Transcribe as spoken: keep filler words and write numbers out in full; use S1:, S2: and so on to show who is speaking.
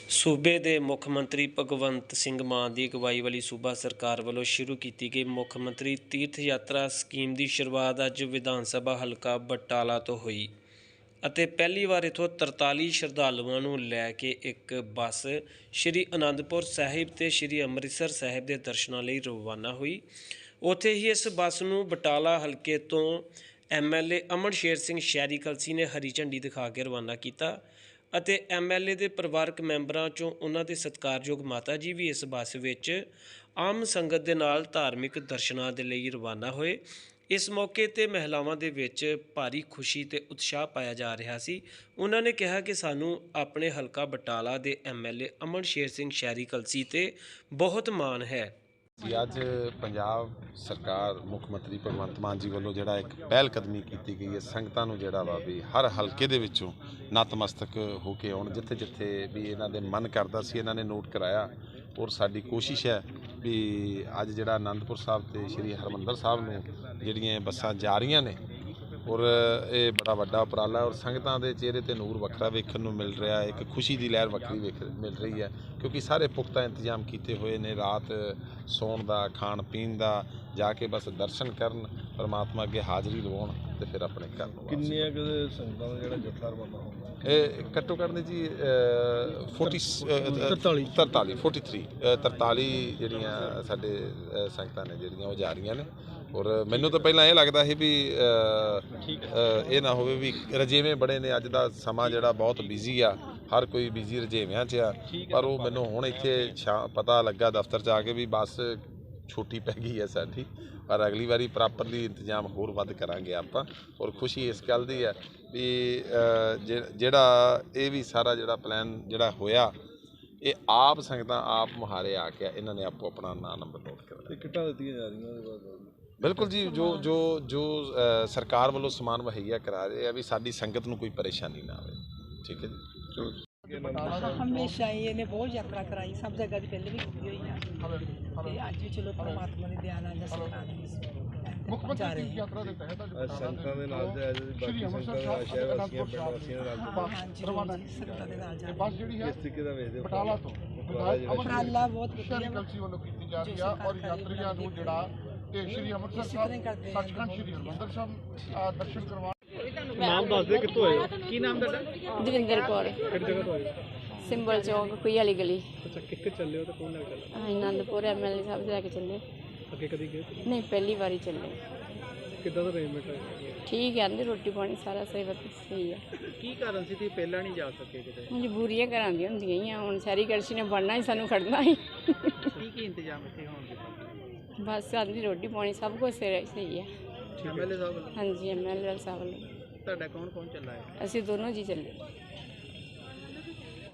S1: ਸੂਬੇ ਦੇ ਮੁੱਖ ਮੰਤਰੀ ਭਗਵੰਤ ਸਿੰਘ ਮਾਨ ਦੀ ਅਗਵਾਈ ਵਾਲੀ ਸੂਬਾ ਸਰਕਾਰ ਵੱਲੋਂ ਸ਼ੁਰੂ ਕੀਤੀ ਗਈ ਮੁੱਖ ਮੰਤਰੀ ਤੀਰਥ ਯਾਤਰਾ ਸਕੀਮ ਦੀ ਸ਼ੁਰੂਆਤ ਅੱਜ ਵਿਧਾਨ ਸਭਾ ਹਲਕਾ ਬਟਾਲਾ ਤੋਂ ਹੋਈ ਅਤੇ ਪਹਿਲੀ ਵਾਰ ਇੱਥੋਂ ਤਰਤਾਲੀ ਸ਼ਰਧਾਲੂਆਂ ਨੂੰ ਲੈ ਕੇ ਇੱਕ ਬੱਸ ਸ਼੍ਰੀ ਅਨੰਦਪੁਰ ਸਾਹਿਬ ਤੇ ਸ਼੍ਰੀ ਅੰਮ੍ਰਿਤਸਰ ਸਾਹਿਬ ਦੇ ਦਰਸ਼ਨਾਂ ਲਈ ਰਵਾਨਾ ਹੋਈ। ਉੱਥੇ ਹੀ ਇਸ ਬੱਸ ਨੂੰ ਬਟਾਲਾ ਹਲਕੇ ਤੋਂ ਐਮ ਐਲ ਏ ਅਮਨ ਸ਼ੇਰ ਸਿੰਘ ਸ਼ਹਿਰੀ ਕਲਸੀ ਨੇ ਹਰੀ ਝੰਡੀ ਦਿਖਾ ਕੇ ਰਵਾਨਾ ਕੀਤਾ ਅਤੇ ਐਮ ਐਲ ਏ ਦੇ ਪਰਿਵਾਰਕ ਮੈਂਬਰਾਂ 'ਚੋਂ ਉਹਨਾਂ ਦੇ ਸਤਿਕਾਰਯੋਗ ਮਾਤਾ ਜੀ ਵੀ ਇਸ ਬੱਸ ਵਿੱਚ ਆਮ ਸੰਗਤ ਦੇ ਨਾਲ ਧਾਰਮਿਕ ਦਰਸ਼ਨਾਂ ਦੇ ਲਈ ਰਵਾਨਾ ਹੋਏ। ਇਸ ਮੌਕੇ 'ਤੇ ਮਹਿਲਾਵਾਂ ਦੇ ਵਿੱਚ ਭਾਰੀ ਖੁਸ਼ੀ ਅਤੇ ਉਤਸ਼ਾਹ ਪਾਇਆ ਜਾ ਰਿਹਾ ਸੀ। ਉਹਨਾਂ ਨੇ ਕਿਹਾ ਕਿ ਸਾਨੂੰ ਆਪਣੇ ਹਲਕਾ ਬਟਾਲਾ ਦੇ ਐਮ ਐਲ ਏ ਅਮਨ ਸ਼ੇਰ ਸਿੰਘ ਸ਼ਹਿਰੀ ਕਲਸੀ 'ਤੇ ਬਹੁਤ ਮਾਣ ਹੈ।
S2: ਜੀ ਅੱਜ ਪੰਜਾਬ ਸਰਕਾਰ ਮੁੱਖ ਮੰਤਰੀ ਭਗਵੰਤ ਮਾਨ ਜੀ ਵੱਲੋਂ ਜਿਹੜਾ ਇੱਕ ਪਹਿਲ ਕਦਮੀ ਕੀਤੀ ਗਈ ਹੈ, ਸੰਗਤਾਂ ਨੂੰ ਜਿਹੜਾ ਵਾ ਵੀ ਹਰ ਹਲਕੇ ਦੇ ਵਿੱਚੋਂ ਨਤਮਸਤਕ ਹੋ ਕੇ ਆਉਣ। ਜਿੱਥੇ ਜਿੱਥੇ ਵੀ ਇਹਨਾਂ ਦੇ ਮਨ ਕਰਦਾ ਸੀ ਇਹਨਾਂ ਨੇ ਨੋਟ ਕਰਾਇਆ ਔਰ ਸਾਡੀ ਕੋਸ਼ਿਸ਼ ਹੈ ਵੀ ਅੱਜ ਜਿਹੜਾ ਅਨੰਦਪੁਰ ਸਾਹਿਬ ਤੇ ਸ਼੍ਰੀ ਹਰਿਮੰਦਰ ਸਾਹਿਬ ਨੂੰ ਜਿਹੜੀਆਂ ਬੱਸਾਂ ਜਾ ਰਹੀਆਂ ਨੇ ਔਰ ਇਹ ਬੜਾ ਵੱਡਾ ਉਪਰਾਲਾ ਔਰ ਸੰਗਤਾਂ ਦੇ ਚਿਹਰੇ 'ਤੇ ਨੂਰ ਵੱਖਰਾ ਵੇਖਣ ਨੂੰ ਮਿਲ ਰਿਹਾ, ਇੱਕ ਖੁਸ਼ੀ ਦੀ ਲਹਿਰ ਵੱਖਰੀ ਵੇਖ ਮਿਲ ਰਹੀ ਹੈ ਕਿਉਂਕਿ ਸਾਰੇ ਪੁਖਤਾ ਇੰਤਜ਼ਾਮ ਕੀਤੇ ਹੋਏ ਨੇ। ਰਾਤ ਸੌਣ ਦਾ, ਖਾਣ ਪੀਣ ਦਾ, ਜਾ ਕੇ ਬਸ ਦਰਸ਼ਨ ਕਰਨ, ਪਰਮਾਤਮਾ ਅੱਗੇ ਹਾਜ਼ਰੀ ਲਵਾਉਣ ਤੇ ਫਿਰ ਆਪਣੇ ਘਰ ਨੂੰ।
S3: ਕਿੰਨੀਆਂ ਕੁ ਸੰਗਤਾਂ ਦਾ ਜਿਹੜਾ ਜੱਥਾ ਰਵਾਨਾ ਹੋਊਗਾ?
S2: ਇਹ ਘੱਟੋ ਘੱਟ ਨੇ ਜੀ ਫੋਰਟੀ ਤਰਤਾਲੀ ਤਰਤਾਲੀ ਫੋਰਟੀ ਥ੍ਰੀ ਤਰਤਾਲੀ ਜਿਹੜੀਆਂ ਸਾਡੇ ਸੰਗਤਾਂ ਨੇ ਜਿਹੜੀਆਂ ਉਹ ਜਾ ਰਹੀਆਂ ਨੇ। ਔਰ ਮੈਨੂੰ ਤਾਂ ਪਹਿਲਾਂ ਇਹ ਲੱਗਦਾ ਸੀ ਵੀ ਇਹ ਨਾ ਹੋਵੇ ਵੀ ਰਜੇਵੇਂ ਬੜੇ ਨੇ, ਅੱਜ ਦਾ ਸਮਾਂ ਜਿਹੜਾ ਬਹੁਤ ਬਿਜ਼ੀ ਆ, ਹਰ ਕੋਈ ਬਿਜ਼ੀ ਰਜੇਵਿਆਂ 'ਚ ਆ, ਪਰ ਉਹ ਮੈਨੂੰ ਹੁਣ ਇੱਥੇ ਸ਼ਾ ਪਤਾ ਲੱਗਾ ਦਫ਼ਤਰ 'ਚ ਆ ਕੇ ਵੀ ਬੱਸ ਛੋਟੀ ਪੈ ਗਈ ਹੈ ਸਾਡੀ, ਪਰ ਅਗਲੀ ਵਾਰੀ ਪ੍ਰੋਪਰਲੀ ਇੰਤਜ਼ਾਮ ਹੋਰ ਵੱਧ ਕਰਾਂਗੇ ਆਪਾਂ। ਔਰ ਖੁਸ਼ੀ ਇਸ ਗੱਲ ਦੀ ਹੈ ਵੀ ਜਿਹੜਾ ਇਹ ਵੀ ਸਾਰਾ ਜਿਹੜਾ ਪਲਾਨ ਜਿਹੜਾ ਹੋਇਆ ਇਹ ਆਪ ਸੰਗਤਾਂ ਆਪ ਮੁਹਾਰੇ ਆ ਕੇ ਇਹਨਾਂ ਨੇ ਆਪੋ ਆਪਣਾ ਨਾਂ ਨੰਬਰ ਨੋਟ ਕਰਨਾ।
S3: ਟਿਕਟਾਂ ਦਿੱਤੀਆਂ ਜਾ ਰਹੀਆਂ ਉਹਦੇ ਬਾਅਦ?
S2: ਬਿਲਕੁਲ ਜੀ, ਜੋ ਜੋ ਜੋ ਸਰਕਾਰ ਵੱਲੋਂ ਸਮਾਨ ਮੁਹੱਈਆ ਕਰਾ ਰਹੇ ਆ ਵੀ ਸਾਡੀ ਸੰਗਤ ਨੂੰ ਕੋਈ ਪਰੇਸ਼ਾਨੀ ਨਾ ਆਵੇ। ਠੀਕ ਹੈ ਜੀ, ਚਲੋ।
S4: ਹਮੇਸ਼ਾ ਹੀ ਇਹਨੇ ਬਹੁਤ ਯਾਤਰਾ ਕਰਾਈ, ਸਭ ਜਗ੍ਹਾ ਦੀ ਪਹਿਲੇ ਵੀ ਕੀਤੀ ਹੋਈ ਆ ਤੇ ਅੱਜ ਵੀ ਚਲੋ ਪਰਮਾਤਮਾ ਦੀ ਦਇਆ ਨਾਲ ਅਸੀਂ ਕਰਾ ਰਹੇ ਜਾ ਰਹੇ ਹਾਂ।
S3: ਸੰਗਤਾਂ ਦੇ ਨਾਲ ਜਾਇਆ ਜੀ, ਬਾਕੀ ਸੰਗਤਾਂ ਦਾ ਸ਼ਹਿਰ ਵਾਸੀਆਂ ਪਿੰਡ ਵਾਸੀਆਂ ਦੇ ਨਾਲ
S4: ਹਾਂਜੀ ਸੰਗਤਾਂ ਦੇ ਨਾਲ ਜਾ
S5: ਬਸ ਜਿਹੜੀ ਹੈ
S3: ਕਿਸ ਤਰੀਕੇ ਦਾ ਵੇਖਦੇ ਹੋ
S5: ਬਟਾਲਾ ਤੋਂ
S4: ਉਪਰਾਲਾ ਬਹੁਤ ਵਧੀਆ
S5: ਕਲਸੀ ਵੱਲੋਂ ਕੀਤੀ ਜਾ ਰਹੀ ਆ ਔਰ ਯਾਤਰੀਆਂ ਨੂੰ ਜਿਹੜਾ ਤੇ ਸ਼੍ਰੀ ਅੰਮ੍ਰਿਤਸਰ ਸਾਹਿਬ ਸੱਚਖੰਡ ਸ਼੍ਰੀ ਹਰਿਮੰਦਰ ਸਾਹਿਬ ਦਰਸ਼ਨ ਕਰਵਾ।
S3: ਨਾਮ ਦੱਸ ਦੇ, ਕਿੱਥੋਂ ਆਏ ਹੋ?
S6: ਕੀ ਨਾਮ ਤੁਹਾਡਾ? ਦਵਿੰਦਰ ਕੌਰ।
S3: ਕਿਹੜੀ ਜਗ੍ਹਾ ਤੋਂ ਆਏ?
S6: ਸਿੰਬਲ ਚੌਕ ਕੋਈ ਵਾਲੀ ਗਲੀ।
S3: ਅੱਛਾ, ਕਿੱਥੇ ਚੱਲੇ ਹੋ ਤੇ ਕੌਣ ਨਾਲ ਚੱਲੇ?
S6: ਹਾਂ, ਆਨੰਦਪੁਰ ਐਮ ਐਲ ਏ ਸਾਹਿਬ ਦੇ ਲੈ ਕੇ ਚੱਲੇ।
S3: ਅੱਗੇ ਕਦੀ ਗਏ?
S6: ਨਹੀਂ, ਪਹਿਲੀ ਵਾਰੀ ਚੱਲੇ।
S3: ਕਿੱਦਾਂ ਦਾ ਅਰੇਂਜਮੈਂਟ ਹੈ?
S6: ਠੀਕ ਹੈ, ਆਂਦੇ ਰੋਟੀ ਪਾਣੀ ਸਾਰਾ ਸਹੀ ਵਤ ਸਹੀ ਹੈ।
S3: ਕੀ ਕਾਰਨ ਸੀ ਤੁਸੀਂ ਪਹਿਲਾਂ ਨਹੀਂ ਜਾ ਸਕੇ ਕਿਤੇ?
S6: ਮਜਬੂਰੀਆਂ ਘਰਾਂ ਦੀਆਂ ਹੁੰਦੀਆਂ ਹੀ ਆ, ਹੁਣ ਸ਼ਹਿਰੀ ਕਲਸੀ ਨੇ ਬਣਨਾ ਹੀ ਸਾਨੂੰ ਖੜਨਾ ਹੀ।
S3: ਕੀ ਕੀ ਇੰਤਜ਼ਾਮ ਇੱਥੇ ਹੋਣਗੇ?
S6: ਬਸ ਆਂਦੀ ਰੋਟੀ ਪਾਣੀ ਸਭ ਕੁਝ ਸਹੀ ਹੈ।
S3: ਐਮ ਐਲ ਏ ਸਾਹਿਬ?
S6: ਹਾਂਜੀ, ਐਮ ਐਲ ਏ ਸਾਹਿਬ ਵੱਲੋਂ।
S3: ਤੁਹਾਡਾ ਕੌਣ ਕੌਣ ਚੱਲਾ ਹੈ?
S6: ਅਸੀਂ ਦੋਨੋਂ ਜੀ ਚੱਲੇ।